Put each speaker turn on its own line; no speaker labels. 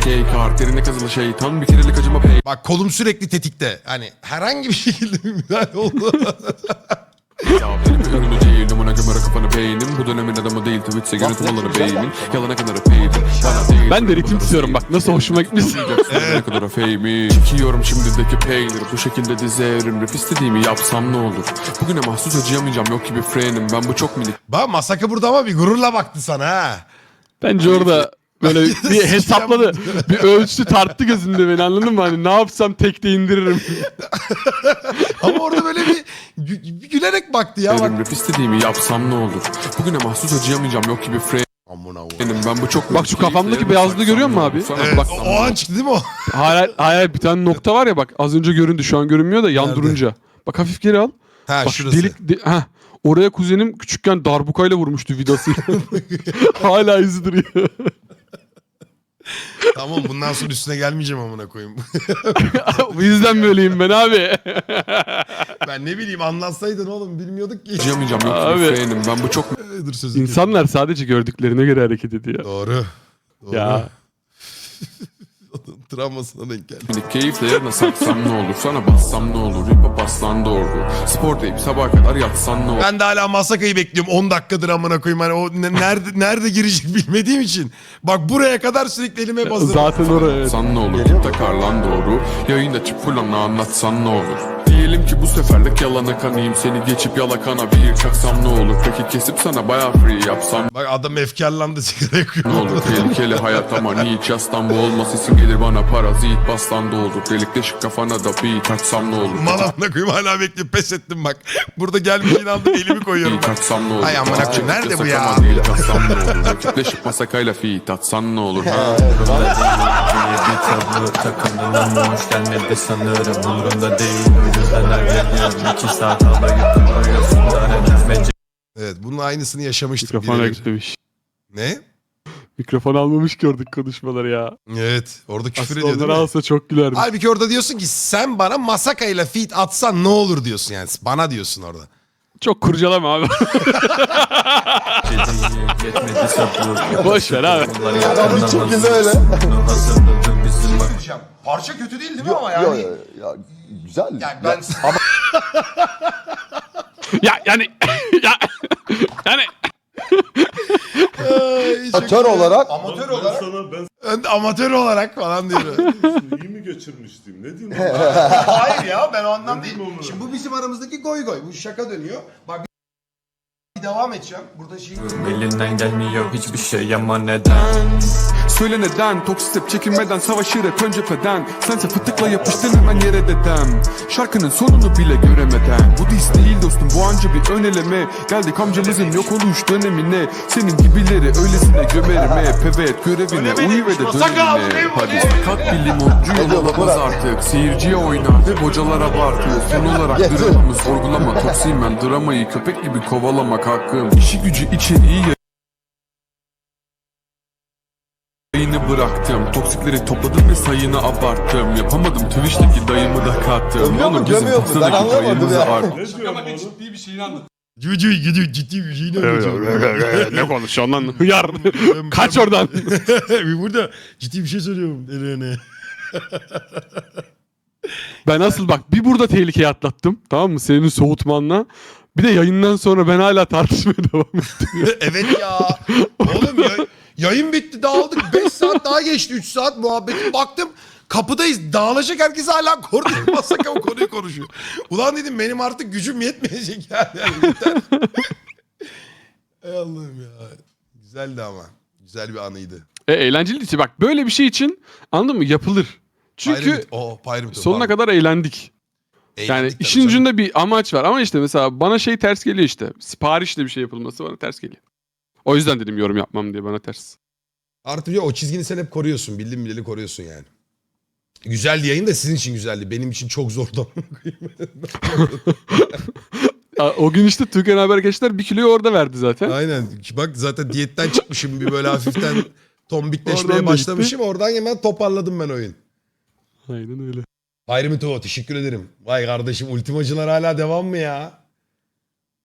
Gay kart derine kazılı şeytan bir kerelik acıma pay.
Bak kolum sürekli tetikte. Hani herhangi bir şekilde bir müdahale oldu.
Ya benim ürünü değilim ona gömere kafanı beynim. Bu dönemin adamı değil Twitch'e yönetim alanı beynin. Yalana kadar paydim. Bana değil.
Ben de ritim tutuyorum bak nasıl hoşuma gitmiş.
Ne kadar fame'i. Çekiyorum şimdideki peynir. Bu şekilde dize evrim. Rap istediğimi yapsam ne olur? Bugüne mahsus acıyamayacağım yok gibi frenim. Ben bu çok minik.
Bak Masaka burada ama bir gururla baktı sana ha.
Bence orada böyle bir hesapladı. Bir ölçtü tarttı gözünde beni anladın mı? Hani ne yapsam tekte indiririm.
Ama orada böyle bir gülerek baktı ya. Bak.
Rap istediğimi yapsam ne olur? Bugüne mahsus acıyamayacağım yok gibi frenim.
Amına koyayım.
Ben bu çok
Bak şu kafamdaki beyazlığı görüyor musun abi?
Evet,
Bak,
o an çıktı değil mi o?
hayır bir tane nokta var ya bak az önce göründü şu an görünmüyor da yan
Nerede?
durunca. Bak hafif geri al.
Ha
Bak
şurası.
oraya kuzenim küçükken darbukayla vurmuştu vidasıyla. Hala izi duruyor.
Tamam bundan sonra üstüne gelmeyeceğim amına koyayım.
Bu yüzden böyleyim ben abi.
Ben ne bileyim anlatsaydın oğlum bilmiyorduk ki.
acıyamayacağım yok
Abi.
gibi frenim. Ben bu çok
Dur sözüm.
İnsanlar sadece gördüklerine göre hareket ediyor.
Doğru. Doğru.
Ya.
Travmasına denk geldi.
minik keyifle yarına saksam ne olur? Sana bassam ne olur? Hip hop aslan doğru. Spor deyip sabaha kadar yatsan ne olur?
Ben de hala Masaka'yı bekliyorum. 10 dakikadır amına koyayım. Hani o nerede girecek bilmediğim için. Bak buraya kadar sürekli elime basıyorum.
Zaten oraya evet.
San ne olur? Tip takar lan doğru. Yayında çık full anlatsan ne olur? Diyelim ki bu seferlik yalana kanayım. Seni geçip yalakana bir çaksam ne olur? Peki kesip sana bayağı free yapsam
Bak adam efkarlandı sigara yakıyor.
ne olur? Tehlikeli hayat ama hiç yastan bu olmaz. İsim gelir bana parazit bastan da olur. Delikleşik kafana da bir taksam ne olur?
Mal amına koyayım hala bekliyorum. Pes ettim bak. Burada gelmeyeceğini aldım elimi koyuyorum
Bir
ben.
taksam ne olur?
Ay amına koyayım, nerede bu ya?
Yasak ama değil, taksam ne olur? Rakipleşip masakayla fit atsan ne olur? Ha?
Bir tablo takımdan olmuş gelmedi sanırım umurumda değil o yüzden her geliyorum 2 saat havayı kuruyorsun da neden
Evet bunun aynısını yaşamıştık.
Mikrofona
birebir.
gitmemiş.
Ne?
Mikrofon almamış gördük konuşmaları ya.
Evet orada küfür
Aslında
ediyor değil
onları
mi?
alsa çok gülermiş.
Halbuki orada diyorsun ki sen bana Masaka'yla feat atsan ne olur diyorsun yani. Bana diyorsun orada.
Çok kurcalama abi.
yetmedi sabır
Boş ver abi.
Adam bir şekilde öyle hazırladı bizim
Parça kötü değil değil mi ama
Yo, ya, güzel.
Yani ben...
ya yani yani
Amatör olarak
Amatör olarak.
Sana ben
Ben de amatör olarak falan diyorum.
iyi mi geçirmiştim? Ne diyeyim?
Hayır ya ben o anlam değil.
Bilmiyorum onu.
Şimdi bu bizim aramızdaki goy goy. Bu şaka dönüyor. Bak bir devam edeceğim. Burada şey...
elinden gelmiyor hiçbir şey ama neden
Söyle neden? Toksik step çekinmeden savaşır hep ön cepheden. Sense fıtıkla yapıştın hemen yere dedem. Şarkının sonunu bile göremeden. Bu diss değil dostum bu anca bir ön eleme. Geldik amcamızın yok oluş dönemine. Senin gibileri öylesine gömerim hep. Evet görevine uyu ve de dönemine. Hadi sakat bir limoncu yol alamaz artık. Seyirciye oynar ve hocalar abartıyor. Son olarak dramamı sorgulama. Toksiyim ben dramayı köpek gibi kovalamak hakkım. İşi gücü içeriği yayını bıraktım. Toksikleri topladım ve sayını abarttım. Yapamadım Twitch'teki dayımı da kattım.
Gömüyor mu,
Onu bizim
gömüyor mu? Ben
pasadaki
anlamadım
payımızı
ya.
art.
Ne diyorum oğlum?
Ciddi bir şey ne
ne konuşuyorsun lan? Hıyar. Kaç oradan.
Burada ciddi bir şey söylüyorum. Eline.
Ben asıl bak bir burada tehlikeyi atlattım. Tamam mı? Senin soğutmanla. Bir de yayından sonra ben hala tartışmaya devam ettim.
Evet ya. Oğlum yayın bitti dağıldık. 5 saat daha geçti. 3 saat muhabbetim. Baktım kapıdayız. Dağılacak herkes hala koridor Masaka o konuyu konuşuyor. Ulan dedim benim artık gücüm yetmeyecek yani. Yeter. Ey Allah'ım ya. Güzeldi ama. Güzel bir anıydı.
Eğlenceli işte bak böyle bir şey için anladın mı? Yapılır. Çünkü
Pyramid,
sonuna kadar eğlendik. Yani işin ucunda bir amaç var ama işte mesela bana şey ters geliyor işte. Siparişle bir şey yapılması bana ters geliyor. O yüzden dedim yorum yapmam diye bana ters.
Artık ya o çizgini sen hep koruyorsun. Bildiğin bileli koruyorsun yani. Güzeldi yayın da sizin için güzeldi. Benim için çok zordu.
O gün işte Türkan Habergeçler 1 kiloyu orada verdi zaten.
Aynen. Bak zaten diyetten çıkmışım. Bir böyle hafiften tombikleşmeye
Oradan da
başlamışım. Oradan hemen toparladım ben oyun.
Aynen öyle.
Pyramid teşekkür ederim. Vay kardeşim ultimacılar hala devam mı ya?